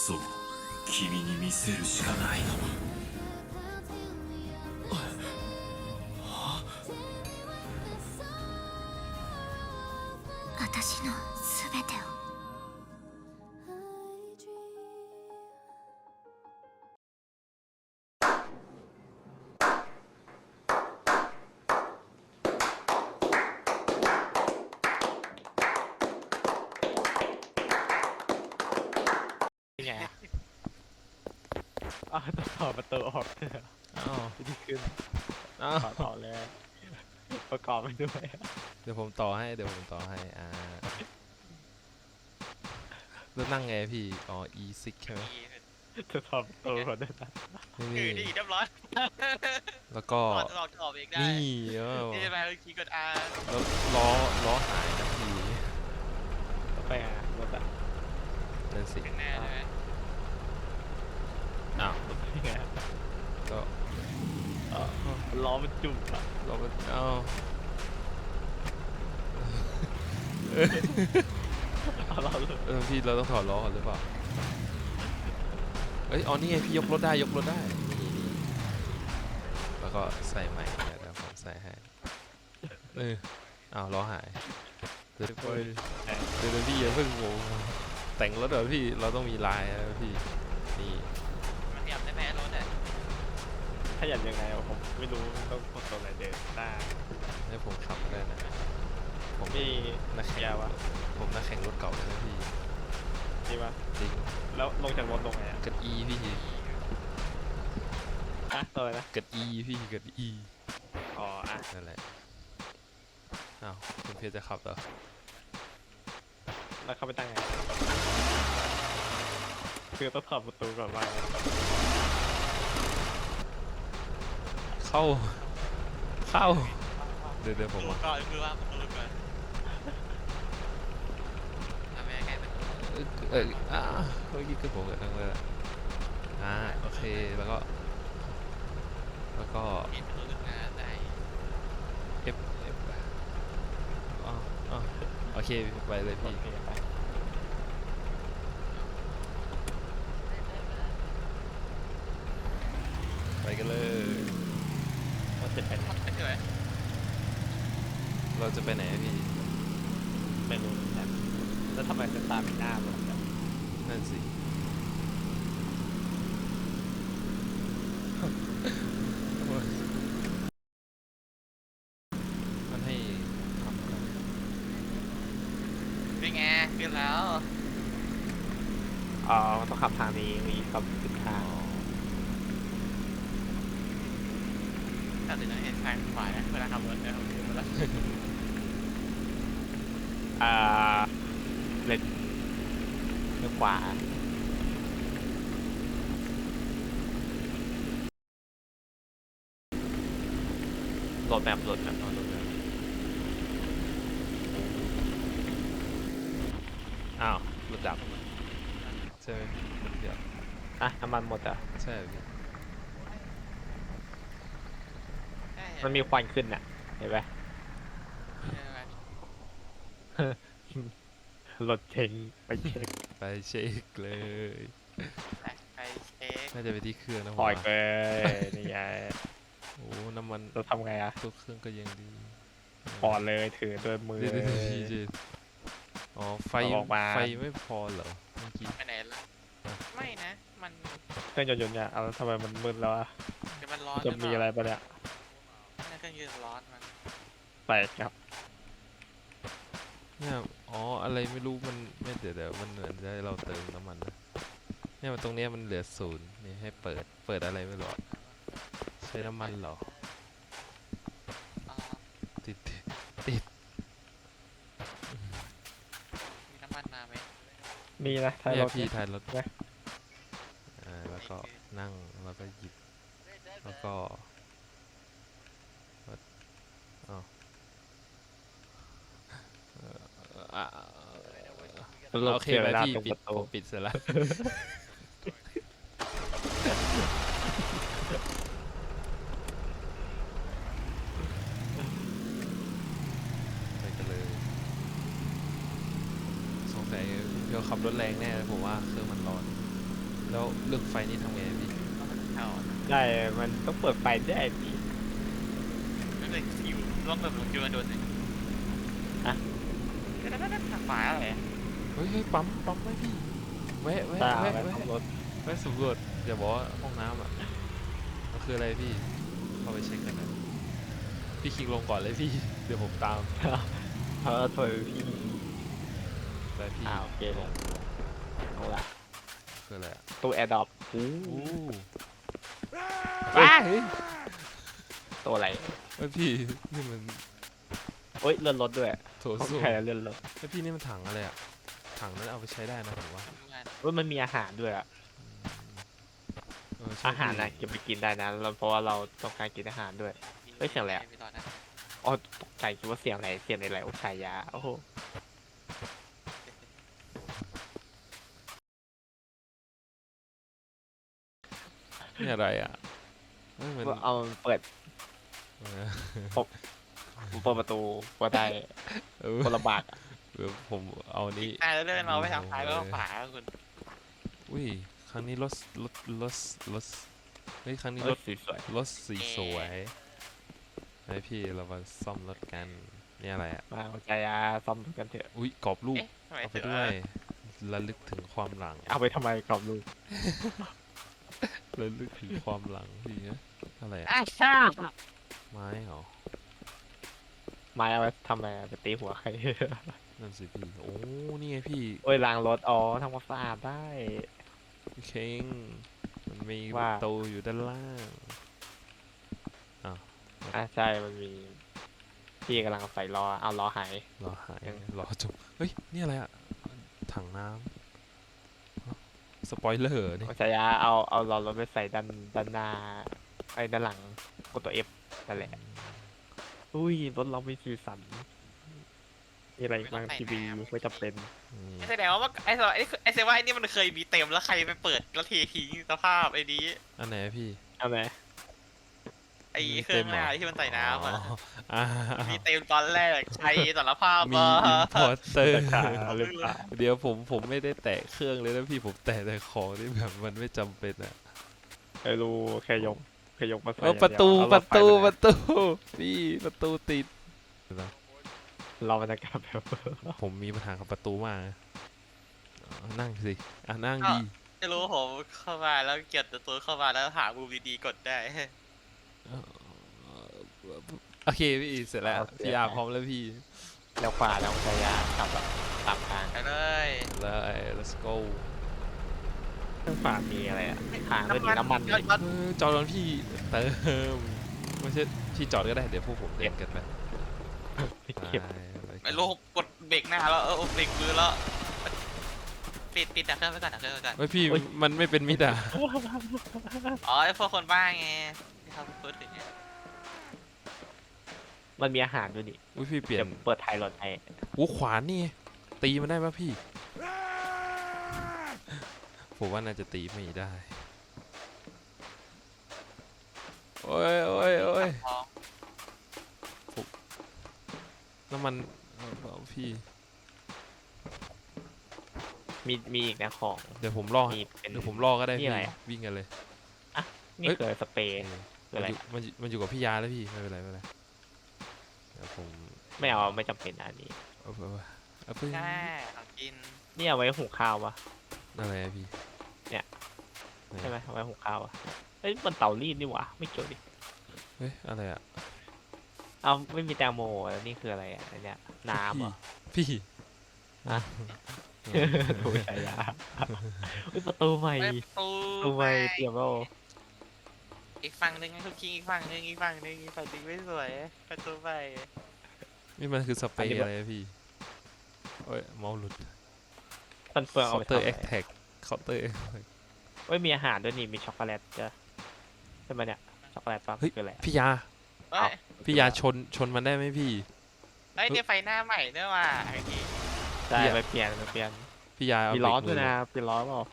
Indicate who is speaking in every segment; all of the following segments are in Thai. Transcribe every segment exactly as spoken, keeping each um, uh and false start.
Speaker 1: そう君に見せるしかない
Speaker 2: 私のすべてを
Speaker 3: ไงอะอ้าวต้องต่อประตูออกเถอะ
Speaker 4: อ้าว
Speaker 3: วิธีขึ้น
Speaker 4: อ้าว
Speaker 3: ต่อต่อเลย ประกอบไปด้วย
Speaker 4: เดี๋ยวผมต่อให้เดี๋ยวผมต่อให้อ่าแล้วนั่งไงพี่อ๋อ อี ซิก ใช่ไหม
Speaker 3: จะต่อประตูก่อนด้วยนะ
Speaker 4: นี่
Speaker 5: คือ
Speaker 4: นี่
Speaker 5: นี่เรียบร้อย
Speaker 4: แล้วก็
Speaker 5: ถอดออกถอดเองได้
Speaker 4: นี่เออ
Speaker 5: นี่จะไปคีย์กด R
Speaker 4: แล้วล้อล้อหายนะพี่
Speaker 3: ไปอ่ะรถอ่ะ
Speaker 4: นั่นสิ
Speaker 5: เป็นแน่ใช่ไหม
Speaker 4: อ้าว
Speaker 3: นี่ไง
Speaker 4: ก็
Speaker 3: เออล้อมันจุ่มอ่ะ
Speaker 4: เราก็เอ้า
Speaker 3: เอาล้อเลย
Speaker 4: เออพี่เราต้องถอดล้อก่อนหรือเปล่าเอ้ยอ๋อนี่ไงพี่ยกรถได้ยกรถได้นี่นี่แล้วก็ใส่ใหม่เดี๋ยวเดี๋ยวผมใส่ให้เอออ้าวล้อหายเดี๋ยวเดี๋ยวเดี๋ยวเดี๋ยวพี่อย่าเพิ่งงงแต่งรถเหรอพี่เราต้องมีลายนะพี่นี่
Speaker 5: มันขยับได้ไหมรถอ่ะ
Speaker 3: ขยับยังไงวะผมไม่รู้ต้องกดตัวไหนเดินหน้า
Speaker 4: ให้ผมขับได้นะผม
Speaker 3: มี
Speaker 4: นักแข่ง
Speaker 3: ยาวะ
Speaker 4: ผมนักแข่งรถเก่าเลยนะพี่
Speaker 3: นี่ปะ
Speaker 4: จริง
Speaker 3: แล้วลงจากรถลงไงอ่ะ
Speaker 4: กด E พี่
Speaker 3: อ่ะตัวอะไรนะ
Speaker 4: กด E พี่กด E
Speaker 3: อ๋ออ่ะ
Speaker 4: นั่นแหละอ้าวคุณเพชรจะขับเหรอ
Speaker 3: แล้วเข้าไปตั้งไงคือต้องถอดประตูก่อนว่า
Speaker 4: เข้าเข้าเดี๋ยวเดี๋ยวผม
Speaker 5: ดู
Speaker 4: มา
Speaker 5: ก่อนคือว่าผมดูก่อนทำไมใกล้เป็น
Speaker 4: เออเอออ่าเมื่อกี้คือผมกับทั้งเลยละอ่าโอเคแล้วก็แล้วก็
Speaker 5: เห็นประตูขึ้นมาได้
Speaker 4: F F อ๋ออ๋อโอเคไปเลย
Speaker 3: โอ
Speaker 4: พี่
Speaker 3: เคไป
Speaker 4: ไปกันเลย
Speaker 3: มันจะเป็น
Speaker 5: ไม่ใช่ไหม
Speaker 4: เราจะไปไหนอะพี่
Speaker 3: เมนูเหมือนกันแล้วทำไมเป็นตาเป็นหน้าเหมือนกัน
Speaker 4: นั่นสิ มันให้ทำอะไร
Speaker 5: เป็นไงขึ้นแล้ว
Speaker 3: อ๋อมันต้องขับทางนี้มีขับสิบทาง
Speaker 5: แต่ถึงจะเห็นซ้ายขวานะเวลาขับรถเนี่ยผมดูมาแล้ว
Speaker 3: อ่าเลนเลี้ยวขวาโหลดแบบโหลดแบบโหลดแบบ
Speaker 4: อ้าวรถดับใช่ไหมเดี๋ยว
Speaker 3: อ่ะน้ำมันหมดอ่ะ
Speaker 4: ใช่พี่
Speaker 3: มันมีควันขึ้นอ่ะเห็นไหมรถเช็งไปเช็ค
Speaker 4: ไปเช็คเลย
Speaker 5: ไปเช็ค
Speaker 4: น่าจะไปที่เครื่องนะผม
Speaker 3: ปล่อย
Speaker 4: ว่า
Speaker 3: เลยนี่ไง
Speaker 4: โอ้น้ำมัน
Speaker 3: เราทำไงอ่ะ
Speaker 4: ตัวเครื่องก็ยังดี
Speaker 3: ปอดเลยถือด้วยมือ
Speaker 4: เดี๋ยวเดี๋ยวเดี๋ยวพี่เจอ๋อไฟ
Speaker 3: เอาออกมา
Speaker 4: ไฟไม่พอเหรอเมื่อกี้
Speaker 5: ไปไหนล่ะไม่นะ มัน
Speaker 3: เครื่องยนต์เนี่ยเอาแล้วทำไมมันมืดแล้วอ่ะ
Speaker 5: เดี๋ยวมันร้อน
Speaker 3: จะมีอะไรปะเนี่ย
Speaker 5: น่าเครื่องยืนร้อนมัน
Speaker 3: ใส่ครับ
Speaker 4: เนี่ยอ๋ออะไรไม่รู้มันไม่เดี๋ยวเดี๋ยวมันเหมือนจะให้เราเติมน้ำมันนะเนี่ยมันตรงเนี้ยมันเหลือศูนย์นี่ให้เปิดเปิดอะไรไม่รู้อะใช้น้ำมันเหรอ
Speaker 5: อ่า
Speaker 4: ติดติด
Speaker 5: มีน้ำมันมาไหม
Speaker 3: มีนะท้าย
Speaker 4: เนี่
Speaker 3: ร
Speaker 4: ย
Speaker 3: ถ
Speaker 4: พี่
Speaker 3: เนี่ย
Speaker 4: ท้ายรถ
Speaker 3: นะ
Speaker 4: อ่าแล้วก็นั่งแล้วก็หยิบแล้วก็อ๋อเอ่ออ่ะ
Speaker 3: รถ
Speaker 4: โอเค
Speaker 3: เสีย
Speaker 4: ไป
Speaker 3: เวลา
Speaker 4: พี่
Speaker 3: ตรง
Speaker 4: ปิ
Speaker 3: ป
Speaker 4: ด
Speaker 3: ระตู
Speaker 4: ผมปิดเสร็จแล้ว ไปกันเลยสงสัยเดี๋ยวขับรถแรงแน่เลยผมว่าเครื่องมันร้อนแล้วเรื่องไฟนี่ทำไงพี่
Speaker 5: เอา
Speaker 3: ได้มันต้องเปิดไฟได้พี่
Speaker 5: ไม่เป็นคิวต้องแบบคิวมันโดนเลย
Speaker 3: อะ
Speaker 5: ก็ได้ได้ทางขวาอะไร
Speaker 4: เฮ้ยเฮ้ยปั๊มปั๊มไว้พี่แวะแวะ
Speaker 3: ตา
Speaker 4: แวะ
Speaker 3: ไป
Speaker 4: แวะ
Speaker 3: ขับรถ
Speaker 4: แวะสำรวจอย่าบอกว่าห้องน้ำอ่ะมันคืออะไรพี่เข้าไปเช็คกันนะพี่คิงลงก่อนเลยพี่เดี๋ยวผมตาม
Speaker 3: เพราะถอยพี่
Speaker 4: ไปพี่
Speaker 3: อ่าโอเคเลยเอาละ
Speaker 4: คืออะไรอ่ะ
Speaker 3: ตู้แอร์ดรอปอู้
Speaker 4: อู้
Speaker 3: ว้า
Speaker 4: เฮ้ย
Speaker 3: ตัวอะไร
Speaker 4: เฮ้ยพี่นี่มัน
Speaker 3: เฮ้ยเลื่อนรถด้วย
Speaker 4: โถ
Speaker 3: ของ
Speaker 4: ส้วม
Speaker 3: ใครอะเลื่อนรถ
Speaker 4: เฮ้ยพี่นี่มันถังอะไรอ่ะถังนั้นเอาไปใช้ได้นะผมว่า
Speaker 3: เฮ้ยมันมีอาหารด้วยอะ
Speaker 4: เออใช่
Speaker 3: อาหารนะ
Speaker 4: พี่
Speaker 3: เก็บไปกินได้นะแล้วเพราะว่าเราต้องการกินอาหารด้วย เฮ้ยเสียงอะไรอะ อ๋อตกใจคิดว่าเสียงอะไรเสียงอะไรโอ้ชายาโอ้โห
Speaker 4: นี่อะไรอ่ะเฮ้ยมัน
Speaker 3: เอาเปิด
Speaker 4: เออ
Speaker 3: เปิดประตูก็ได้
Speaker 4: เออ
Speaker 3: คนละบากอะ
Speaker 4: เออผมเอานี้
Speaker 5: อ่าแล้วเลื่อนเราไปทางซ้ายแล้วก็ขวาคุณ
Speaker 4: อุ้ยครั้งนี้รถรถรถรถเฮ้ยครั้งนี้
Speaker 3: เฮ้
Speaker 4: ร
Speaker 3: ย
Speaker 4: ถ
Speaker 3: สีสวย
Speaker 4: รถสีสวยไอพี่เรามาซ่อมรถกันนี่อะไรอ่ะ
Speaker 3: มาเอาชายาซ่อมกันเถอะ
Speaker 4: อุ้ยกรอบรูป
Speaker 5: เอ๊ะทำไม
Speaker 4: เอาไป
Speaker 5: ถึง
Speaker 4: ด้วยระลึกถึงความหลัง
Speaker 3: เอาไปทำไมกรอบลูก
Speaker 4: ระลึกถึงความหลังพี่นะอะไรอ่ะ
Speaker 3: อ้าช่า
Speaker 4: ไม้เหรอ
Speaker 3: ไม้เอาไปทำอะไรไปตีหัวใคร
Speaker 4: นั่นสิพี่โอ้นี่ไงพี่
Speaker 3: โอ้ยล้างรถอ๋อทำความสะอาดได้
Speaker 4: พี่เค้งมันมีป
Speaker 3: ว่า
Speaker 4: ระตูอยู่ด้านล่าง
Speaker 3: อ่ะใช่มันมีพี่กำลังใส่ล้อเอาล้อหาย
Speaker 4: รอหาย
Speaker 3: ยัง
Speaker 4: รอจบเฮ้ยนี่อะไรอ่ะถังน้ำสปอยเลอร์นี่
Speaker 3: เอาชายาเอาเอาล้อรถไปใส่ด้านด้านหน้าไอ้ด้านหลังกดตัว F นั่นแหละอุ้ยรถเราไม่สีสันมีอะไรอีกบ้างทีวีไม่จำเป็น
Speaker 4: นี่
Speaker 5: แสดงว่าไอ้สไอ้ไอ้เซว่าไอ้นี่มันเคยมีเต็มแล้วใครไปเปิดแล้วเททิ้งสภาพไอ้นี้
Speaker 4: อันไหนอะพี่
Speaker 3: เอาไหม
Speaker 5: ไอ้เครื่องหน้าที่มันใส่น้ำอ่ะ
Speaker 4: อ่า
Speaker 5: มีเต็มตอนแรกใช้สารภาพ
Speaker 4: มี
Speaker 5: ว่า
Speaker 4: อินพอร์เตอร์
Speaker 3: ราคาหรือเปล่า
Speaker 4: เดี๋ยวผมผมไม่ได้แตะเครื่องเลยนะพี่ผมแตะแต่ของที่แบบมันไม่จำเป็นอะ
Speaker 3: ไม่รู้แค่ยกแค่ยกมาใส่
Speaker 4: เออ
Speaker 3: อย่าง
Speaker 4: ประ
Speaker 3: เดียว
Speaker 4: ตู
Speaker 3: เอา
Speaker 4: ป
Speaker 3: ร
Speaker 4: ระ
Speaker 3: ถไฟ
Speaker 4: ตู
Speaker 3: ไป
Speaker 4: ป
Speaker 3: เลย
Speaker 4: ระตูพี่ประตูติด
Speaker 3: เราบรรยากาศแบบ
Speaker 4: ผมมีปัญหากับประตูมากนะอ่ะนั่งสิอ่ะนั่งดี
Speaker 5: ไม่รู้ผมเข้ามาแล้วเกียรตัวเข้ามาแล้วหามุมดีๆกดได้
Speaker 4: โอเคพี่เสร็จแล้วพี่อาพร้อมแล้วพี่
Speaker 3: แล้วขวาแล้วชายาขับแบบตามทาง
Speaker 5: ไปเลย
Speaker 4: เลย let's go
Speaker 3: ข้างขวามีอะไรอ่ะทางด้วยนี่น้ำมัน
Speaker 5: ยอดยอด
Speaker 4: เออจอดรถพี่เติมไม่ใช่พี่จอดก็ได้เดี๋ยวพวกผมเดินกันไป
Speaker 3: ไปเก็บ
Speaker 4: ไป
Speaker 5: ไม่รู้กดเบรกหน้าแล้วเออเบรกมือแล้วปิดปิดดักเครื่องไว้ก่อนดักเครื่องไว้ก่อน
Speaker 4: เฮ้ยพี่มันไม่เป็นมิดอ่ะ
Speaker 5: อ๋อไอ้พวกคนบ้าไงที่เขาพูดถึงเนี่ย
Speaker 3: มันมีอาหารด้วยนี่
Speaker 4: อุ้ยพี่เปลี่ย
Speaker 3: เดี๋
Speaker 4: น
Speaker 3: ยวเปิดไทยรถให้
Speaker 4: โอ้ขวานนี่ตีมันได้ปะพี่ ผมว่าน่าจะตีไม่ได้ โอ้ยโอ้ยโอ้ย
Speaker 5: ท้อง
Speaker 4: น้ำมันเอาเอาพี่
Speaker 3: มีมีอีกนะของ
Speaker 4: เดี๋ยวผมรอ
Speaker 3: มีเป็น
Speaker 4: เดี๋ยวผมรอก็ได้
Speaker 3: นี่
Speaker 4: พี่
Speaker 3: อะไรอะ
Speaker 4: วิ่งกันเลย
Speaker 3: นี่
Speaker 4: เอ้ย
Speaker 3: คือสเปรย์
Speaker 4: เออ
Speaker 3: คืออะไร
Speaker 4: มันอยู่มันอยู่มันอยู่กับพี่ยาแล้วพี่ไม่เป็นไรไม่เป็นไรเดี๋ยวผม
Speaker 3: ไม่เอาไม่จำเป็นอันนี้
Speaker 4: เอาเอาเอาเอาเพิ่ง
Speaker 5: ใช่ของกิน
Speaker 3: นี่เอาไว้หุงข้าวปะ
Speaker 4: อะไรอะพี่
Speaker 3: เนี่ย
Speaker 4: ไหน
Speaker 3: ใช่ไหมเอาไว้หุงข้าวอะเอ้ยมันเตารีดนี่หว่าไม่เกี่ยวดิ
Speaker 4: เฮ้ยอะไรอะ
Speaker 3: เอาไม่มีแตงโมแล้วนี่คืออะไรอ่ะอันเนี้ยน้ำเหรอ
Speaker 4: พี่
Speaker 3: อะ ถูกใช่ยาอุ๊ยประตูใหม่
Speaker 5: เฮ้ยประตู
Speaker 3: ประตูใหม่เตรียมแล้ว
Speaker 5: อีกฝั่งหนึ่งให้ทุกคิงอีกฝั่งหนึ่งอีกฝั่งหนึ่งอีกฝั่งหนึ่งไม่สวยประตูไป
Speaker 4: นี่มันคือสเปรย์อะไรอะพี่โอ้ยเมาส์หลุด
Speaker 3: ฟันเฟือง
Speaker 4: เคา
Speaker 3: เอาไป
Speaker 4: น์เตอ
Speaker 3: ทำ
Speaker 4: ร์
Speaker 3: อะ
Speaker 4: แอ
Speaker 3: ไร
Speaker 4: คแท็กเคาน์เตอร์
Speaker 3: เอ้ยมีอาหารด้วยนี่มีช็อกโกแลตจ้ะใช่ไหมเนี่ยช็อกโกแลตปั๊บ
Speaker 4: เฮ้ย
Speaker 3: คืออะไร
Speaker 4: พี่ยา
Speaker 5: เฮ้ย
Speaker 4: พี่ยาชนชนมันได้ไหมพี่
Speaker 5: เฮ้ยเนี่ยไฟหน้าใหม่เนี่ยว่ะไอ้นี่
Speaker 3: ใช่
Speaker 4: พี่อะ
Speaker 3: ไปเปลี่ยนไปเปลี่ยน
Speaker 4: พี่ยาเอา
Speaker 3: มี
Speaker 4: เบร
Speaker 3: ล้อก
Speaker 4: มื
Speaker 3: ด้วย
Speaker 4: อ
Speaker 3: นะเปลี่ยนล้อเปล่า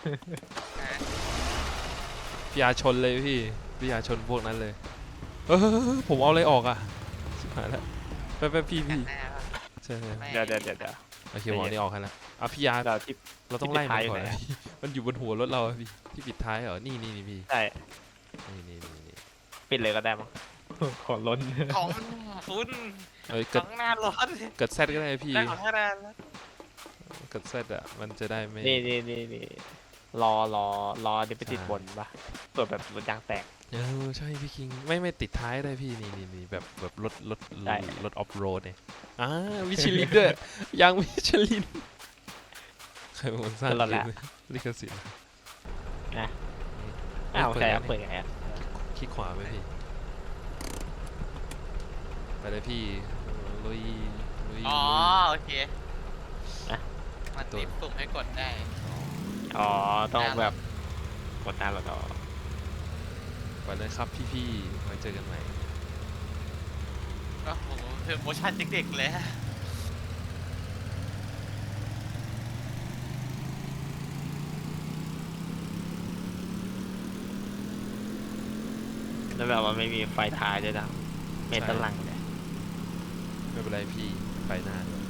Speaker 4: พี่ยาชนเลยพี่พี่ยาชนพวกนั้นเลยเออผมเอาอะไรออกอ่ะชิบหายแล้วไปไปพี่พี่
Speaker 5: หน้าป่ะ
Speaker 4: ใช่ใช่
Speaker 5: ไม่
Speaker 3: เดี๋ยวเดี๋ยวเดี๋ยวเดี๋ยว
Speaker 4: โอเคหมอนี่ออกให้แล้วอ่ะพี่ยา
Speaker 3: เราที่
Speaker 4: เราต้องไล่
Speaker 3: ที่ปิดท้าย
Speaker 4: มันก่อน
Speaker 3: อยู่ไหน
Speaker 4: นะ มันอยู่บนหัวรถเราอะพี่ที่ปิดท้ายเหรอนี่นี่นี่พี่
Speaker 3: ใช่
Speaker 4: นี่นี่นี่นี่
Speaker 3: ปิดเลยก็ได้มั้ง ขอล้น
Speaker 5: ของคุณ
Speaker 4: เอ้ย
Speaker 5: ข
Speaker 4: เกิด
Speaker 5: องหน้ารถ
Speaker 4: เกิดแซดก็ได้พี่
Speaker 5: ได้ของหน้าแล้ว
Speaker 4: เกิดแซดอ่ะมันจะได้ไม่
Speaker 3: นี่นี่นี่นี่รอรอรอเดี๋ยวไปติด
Speaker 4: ใช่
Speaker 3: บนปะเปิดแบบรถยางแตก
Speaker 4: เออใช่พี่คิงไม่ไม่ติดท้ายได้พี่นี่นี่นี่แบบแบบรถรถ
Speaker 3: ได้
Speaker 4: รถออฟโรดเนี่ยอ่าวิชลินด้วยยางวิชลินใครเป็นคนสร้าง
Speaker 3: รถ
Speaker 4: เก
Speaker 3: ละ
Speaker 4: มลิขสิทธิ์
Speaker 3: นะ
Speaker 4: เฮ้ย
Speaker 3: อ้าว
Speaker 4: เปิด
Speaker 3: ใช่
Speaker 4: แล้ว
Speaker 3: เปิดยังไงอะ
Speaker 4: คลิกขวาไหมพี่ไปเลยพี่ลุยลุย
Speaker 5: อ๋อ
Speaker 4: ลุย
Speaker 5: โอเคมันติดปุ่มให้กดได้
Speaker 3: อ๋อต้อง
Speaker 5: หน้ารถ
Speaker 3: แบบกดหน้ารถต่อ
Speaker 4: ไปเลยครับพี่ๆไว้เจอกันใหม่
Speaker 5: โอ้โหคือโมชั่นเด็กๆเลย
Speaker 3: แล้วแบบว่าไม่มีไฟท้ายด้วยนะเมตาลังเลย
Speaker 4: ไม่เป็นไรพี่ไปหน้าด้วย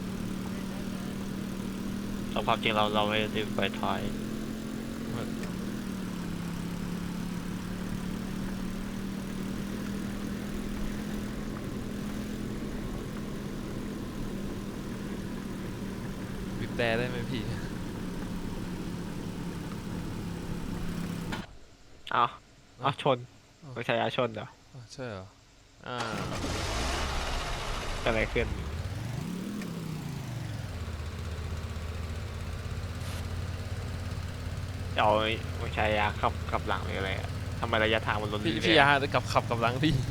Speaker 3: แต่ความจริงเราเราไม่ได้ติดไฟท้าย
Speaker 4: บีบแต่ได้ไหมพี่
Speaker 3: เอาเอา
Speaker 4: เอ้า
Speaker 3: ชนไม่ใช่อาชนเหรอ
Speaker 4: อ๋อใช่เหรออ่า
Speaker 3: เกิดอะไรขึ้นเอาไม่ใช่ยาขับขับหลังหรืออะไรอะทำไมระยะทางมันลด
Speaker 4: พี่
Speaker 3: เรื่
Speaker 4: พี่
Speaker 3: อย
Speaker 4: ยากับขับกับหลังพี่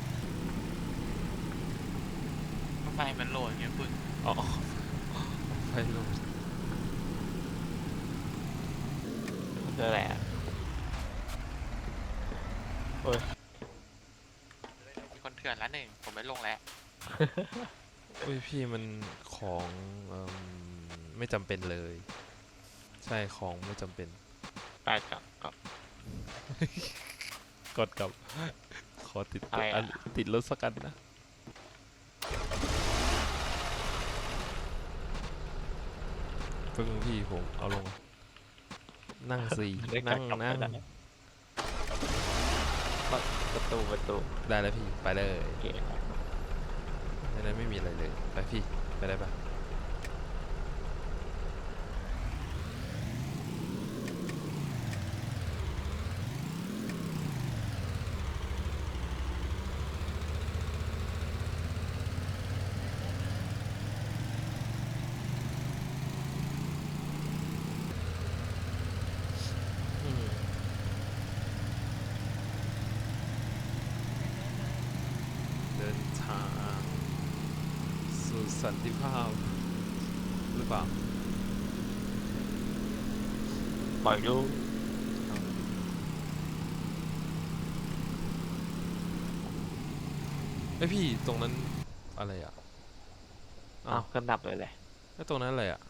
Speaker 5: ไฟมันโหลดอย่างเงี้ยคุณ
Speaker 4: อ๋อไฟลง
Speaker 3: ๆคืออะไรอะ
Speaker 5: มีคนเถื่อนละหนึ่งผมไม่ลงแล้ว
Speaker 4: อุ้ยพี่มันของเอิ่มไม่จำเป็นเลย ใช่ของไม่จำเป็น
Speaker 3: ไปกับกับ
Speaker 4: กดกับ ขอติด
Speaker 3: อะไรอะ
Speaker 4: อันติดรถสักกันนะเพิ่งพี่ผมเอาลง นั่งสี่
Speaker 3: เรียก
Speaker 4: นั่ง
Speaker 3: กลับ
Speaker 4: นั่ง
Speaker 3: ไปได้ ประตูประตู
Speaker 4: ได้แล้วพี่ไปเลย
Speaker 3: โอเค
Speaker 4: ในนั้นไม่มีอะไรเลยไปพี่ไปได้ปะอืมเดินทางสู่สันติภาพหรือเปล่า
Speaker 3: ปล่อยลูก
Speaker 4: ไอยพี่ตรงนั้นอะไรอ่ะ
Speaker 3: อ้าวเครื่องดับเลยเลย
Speaker 4: แล้วตรงนั้นอะไรอ่ะ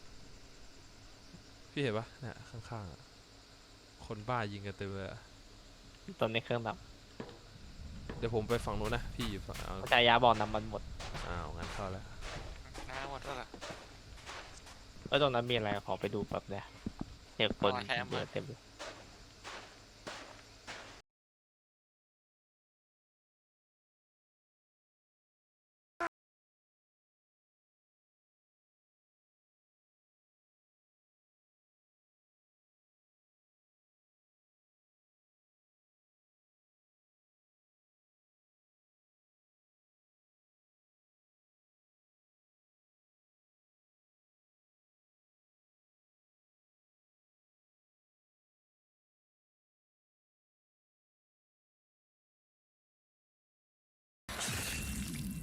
Speaker 4: พี่เห็นปะเนี่ยข้างๆอ่ะ คนบ้ายิงกันเต็มเลยอะ
Speaker 3: ตอนนี้เครื่องดับ
Speaker 4: เดี๋ยวผมไปฝั่งนู้นนะ พี่อยู่ฝั่งเอา
Speaker 3: จายาบอกน้ำมันหมด
Speaker 4: อ้าวงั้นเข้าแล้ว
Speaker 5: หน้าหมดแล้วล่ะ
Speaker 3: แล้วตรงนั้นมีอะไรขอไปดูแบบเนี่ยเด็กคน
Speaker 5: อ๋อใช่ครับ
Speaker 3: เยอะเต็มเลย